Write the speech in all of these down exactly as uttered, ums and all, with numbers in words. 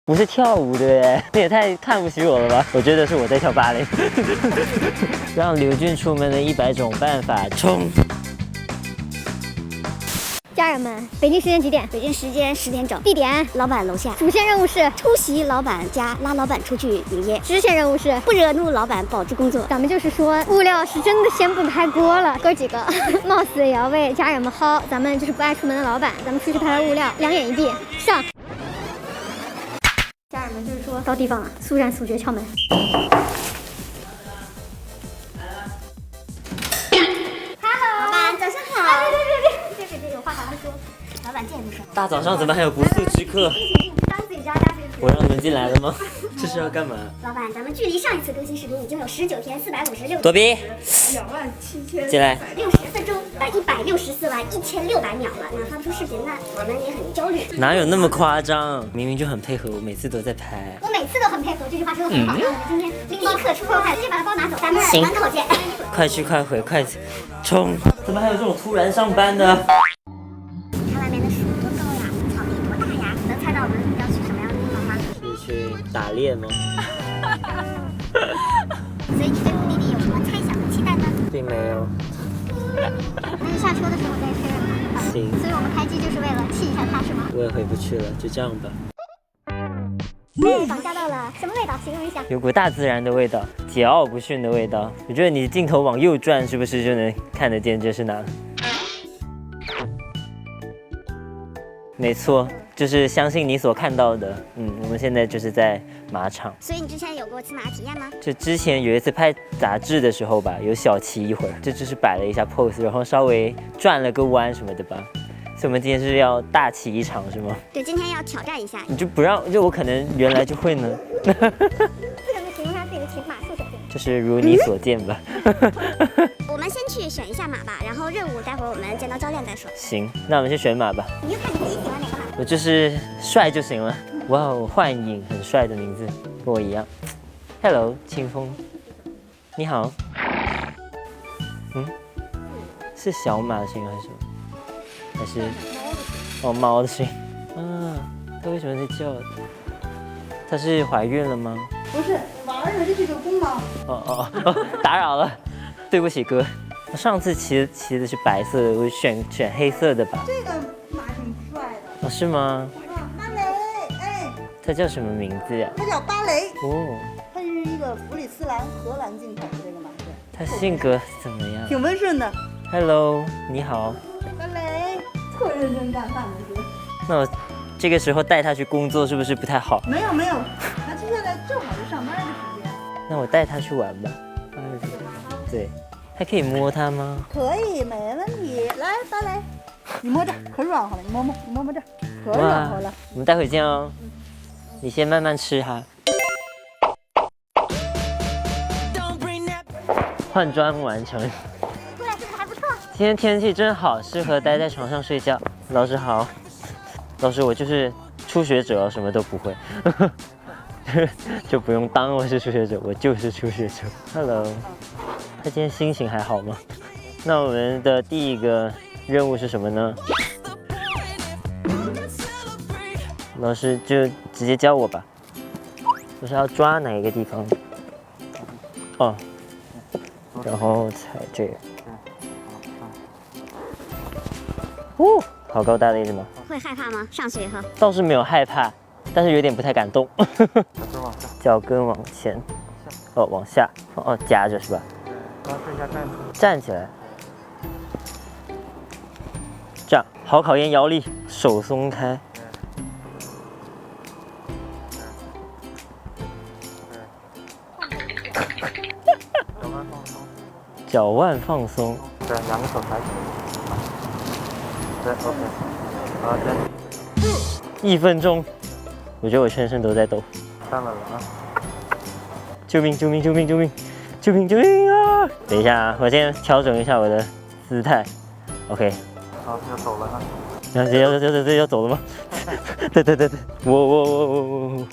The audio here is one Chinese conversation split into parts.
不是跳舞的耶，你也太看不起我了吧？我觉得是我在跳芭蕾。让刘俊出门的一百种办法，冲！ 家人们，北京时间几点？ 北京时间十点整， 地点老板楼下。 主线任务是出席老板家，拉老板出去营业。 支线任务是不惹怒老板，保质工作。 咱们就是说，物料是真的掀不开锅了，哥几个冒死也要为家人们薅。咱们就是不爱出门的老板，咱们出去拍拍物料，两眼一闭，上。家人们就是说到地方了，速战速决，敲门。 老板早上好。 对对对对，这个有话好好说。 老板见不上。 大早上怎么还有不速之客？ 当自己家家自己。 我让你们进来了吗？这是要干嘛？ 老板，咱们距离上一次更新视频已经有十九天四百五十六。 躲避。 两万七千。 进来。 六十分钟，呃，一百六十四万一千六百秒了。那发不出视频，那我们也很焦虑。 哪有那么夸张？明明就很配合，我每次都在拍。 我每次都很配合，这句话说的很好。那我们今天立刻出快，直接把它包拿走。咱们门口见。 快去快回，快冲！怎么还有这种突然上班的？ 你看外面的树多高呀，草地多大呀？能猜到我们要去什么样的地方吗？ 是去打猎吗？ 所以你对目的地有什么猜想和期待呢？ 并没有。 那就下车的时候再确认吧。 行。 所以我们开机就是为了气一下他，是吗？ 我也回不去了，就这样吧。 被绑架到了，什么味道？形容一下。 有股大自然的味道，桀骜不驯的味道。我觉得你镜头往右转，是不是就能看得见这是哪？没错，就是相信你所看到的。嗯，我们现在就是在马场。 所以你之前有过骑马体验吗？ 就之前有一次拍杂志的时候吧，有小骑一会儿，这就是摆了一下 pose， 然后稍微转了个弯什么的吧。所以我们今天是要大骑一场是吗？ 对，今天要挑战一下。 你就不让，就我可能原来就会呢。 这个能形容他自己的骑马速手劲。 就是如你所见吧。 我们先去选一下马吧，然后任务待会儿我们见到教练再说。 行，那我们去选马吧。 你就看你自己喜欢哪个马。 我就是帅就行了。哇哦，幻影，很帅的名字，跟我一样。Hello， 清风，你好。嗯，是小马的声音还是什么？还是哦猫的声音？啊，它为什么在叫？它是怀孕了吗？ 不是，玩儿的这个公猫。 哦哦哦，打扰了，对不起哥。我上次骑的骑的是白色的，我选选黑色的吧。 这个马挺帅的。 哦，是吗？ 啊，芭蕾，哎， 它叫什么名字呀？ 它叫芭蕾。 哦， 它是一个弗里斯兰荷兰进口的这个马，对。 它性格怎么样挺温顺的。 ？Hello， 你好。 芭蕾，特认真干饭的是。 那我这个时候带它去工作是不是不太好？ 没有没有，它接下来正好是上班的时间。 那我带它去玩吧。对，还可以摸它吗？ 可以，没问题。来，芭蕾，你摸这儿，可软和了，你摸摸，你摸摸这儿，可软和了。 我们待会见哦。你先慢慢吃哈。换装完成。 出来是不是还不错？ 今天天气真好，适合待在床上睡觉。老师好。老师，我就是初学者，什么都不会，就不用当我是初学者，我就是初学者。Hello， 他今天心情还好吗？那我们的第一个任务是什么呢？老师就直接教我吧。我是要抓哪一个地方？哦，然后踩这个。哦，好高大的一只马。 会害怕吗？上去以后倒是没有害怕，但是有点不太敢动。脚跟往前，哦，往下，哦，夹着是吧？对，然后剩下站起站起来，这样好考验腰力，手松开。脚腕放松。对，两个手抬起来。对 ，OK。好的，一分钟，我觉得我全身都在抖。上来了啊！救命！救命！救命！救命！救命！救命啊！等一下啊，我先调整一下我的姿态。OK。好，要走了啊！要要要要要要走了吗？对对对对，我我我我我我。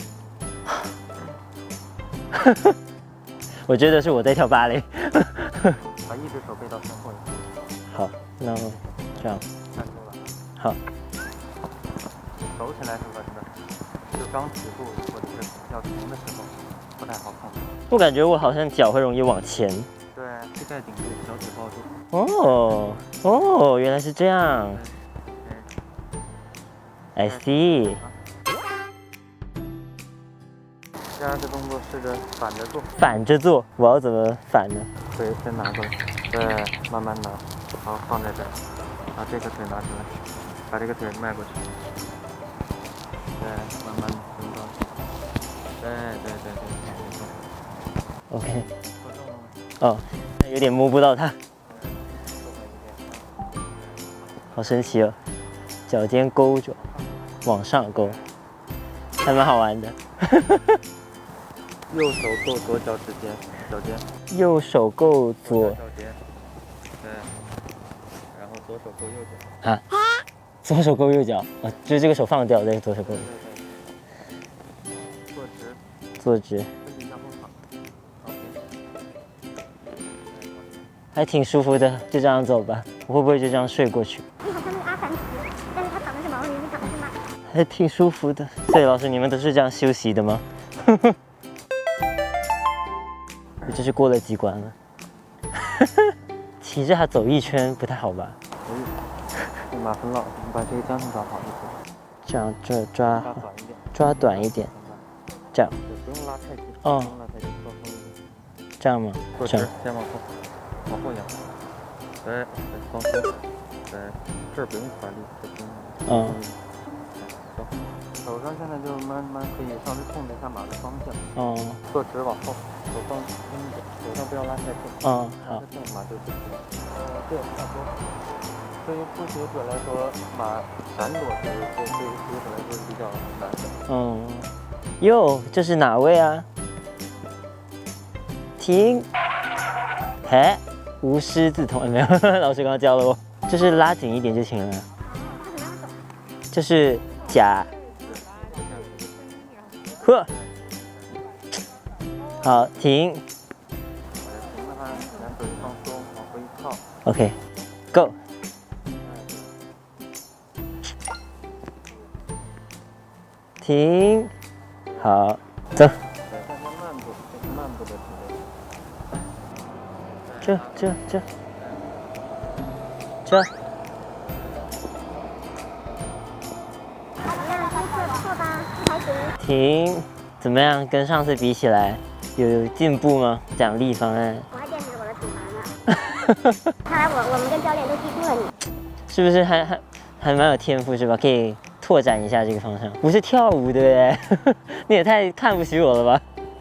我觉得是我在跳芭蕾。把一只手背到身后。好，那这样。好。走起来是吧？是吧？ 就刚起步或者是要停的时候不太好控制。 我感觉我好像脚会容易往前。 对，膝盖顶住，脚趾抱住。 哦哦，原来是这样。I see。 第二个动作试着反着做。 反着做，我要怎么反呢？ 腿先拿过来，对，慢慢拿，好放在这儿，把这个腿拿出来，把这个腿迈过去，对，慢慢升高，对对对对，没错。 OK。 做重了吗？ 哦，有点摸不到它，好神奇哦！脚尖勾着，往上勾，还蛮好玩的。 右手够左脚趾尖，脚尖。 右手够左脚尖，对，然后左手够右脚。 啊，左手勾右脚啊，就是这个手放掉，再左手勾。 坐直， 坐直， 身体向后躺。 还挺舒服的，就这样走吧。我会不会就这样睡过去？ 你好像那个阿凡提，但是他躺的是毛驴，你躺的是马。 还挺舒服的。所以老师，你们都是这样休息的吗？我这是过了几关了。骑着它走一圈不太好吧？ 可以。马很老，你把这个将军抓好就可以。 这样这抓抓短一点。 抓短一点，这样。 对，不用拉太紧。 哦。 不用拉太紧，放松一点。 这样吗？ 坐直，先往后，往后仰。对，对，放松。对，这儿不用发力，这不用。 嗯。 走。手上现在就慢慢可以稍微控制一下马的方向。 哦。 坐直往后，手放轻一点，手上不要拉太重。 嗯，好。 拉太重马就不行。呃，对，差不多。对于初学者来说，马闪躲是对对于初学者来说是比较难的。 嗯。哟，这是哪位啊？停。嘿，无师自通，哎，没有，老师刚刚教了我，就是拉紧一点就行了。就是夹。呵。好，停。 停的话，两腿放松，往回一靠。 OK，Go。停。好，走。 对，大家慢步，这是慢步的体位。 这这这这。停，怎么样？跟上次比起来，有有进步吗？奖励方案。 我还坚持我的体罚呢。看来我我们跟教练都记住了你。 是不是还还还蛮有天赋是吧？可以拓展一下这个方向。不是跳舞的耶，你也太看不起我了吧？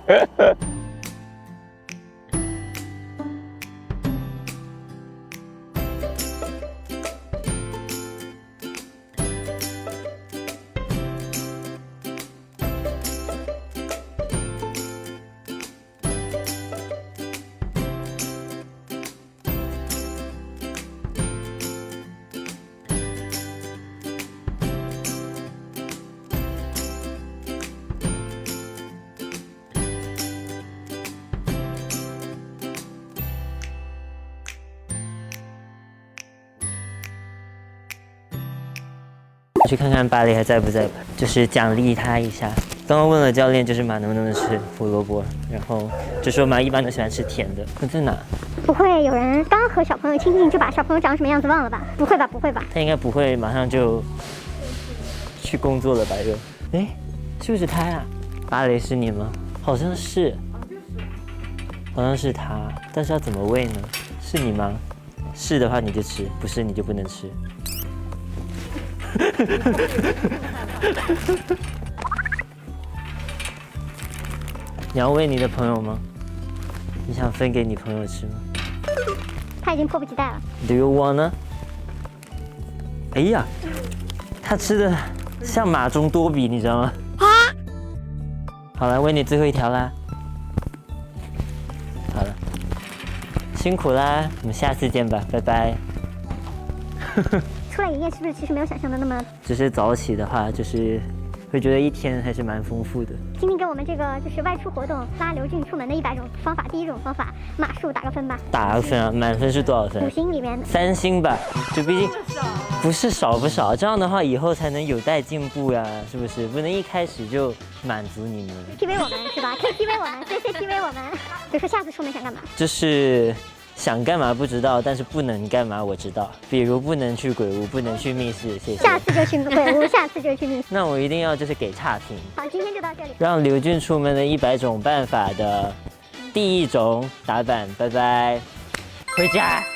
去看看芭蕾还在不在吧，就是奖励他一下。刚刚问了教练，就是马能不能吃胡萝卜，然后就说马一般都喜欢吃甜的。那在哪？ 不会有人刚和小朋友亲近就把小朋友长什么样子忘了吧？不会吧，不会吧？ 他应该不会马上就去工作了吧？又，哎，是不是他呀？芭蕾是你吗？好像是，好像是他，但是要怎么喂呢？是你吗？是的话你就吃，不是你就不能吃。你要喂你的朋友吗？你想分给你朋友吃吗？ 他已经迫不及待了。 Do you wanna？ 哎呀，他吃的像马中多比，你知道吗？啊！好了，喂你最后一条啦。好了，辛苦啦，我们下次见吧，拜拜。 出来营业是不是其实没有想象的那么？ 只是早起的话，就是会觉得一天还是蛮丰富的。 请你给我们这个就是外出活动拉刘俊出门的一百种方法，第一种方法马术打个分吧。 打个分啊，满分是多少五分？ 星里面三星吧，就毕竟不是少不少，这样的话以后才能有待进步呀，是不是？不能一开始就满足你们。 T V 我们是吧？可以 T V 我们，谢谢 T V 我们。比如说下次出门想干嘛？ 就是想干嘛不知道，但是不能干嘛我知道，比如不能去鬼屋，不能去密室，谢谢。 下次就去鬼屋，下次就去密室。 那我一定要就是给差评。 好，今天就到这里。 让刘俊出门的一百种办法的第一种打板，拜拜，回家。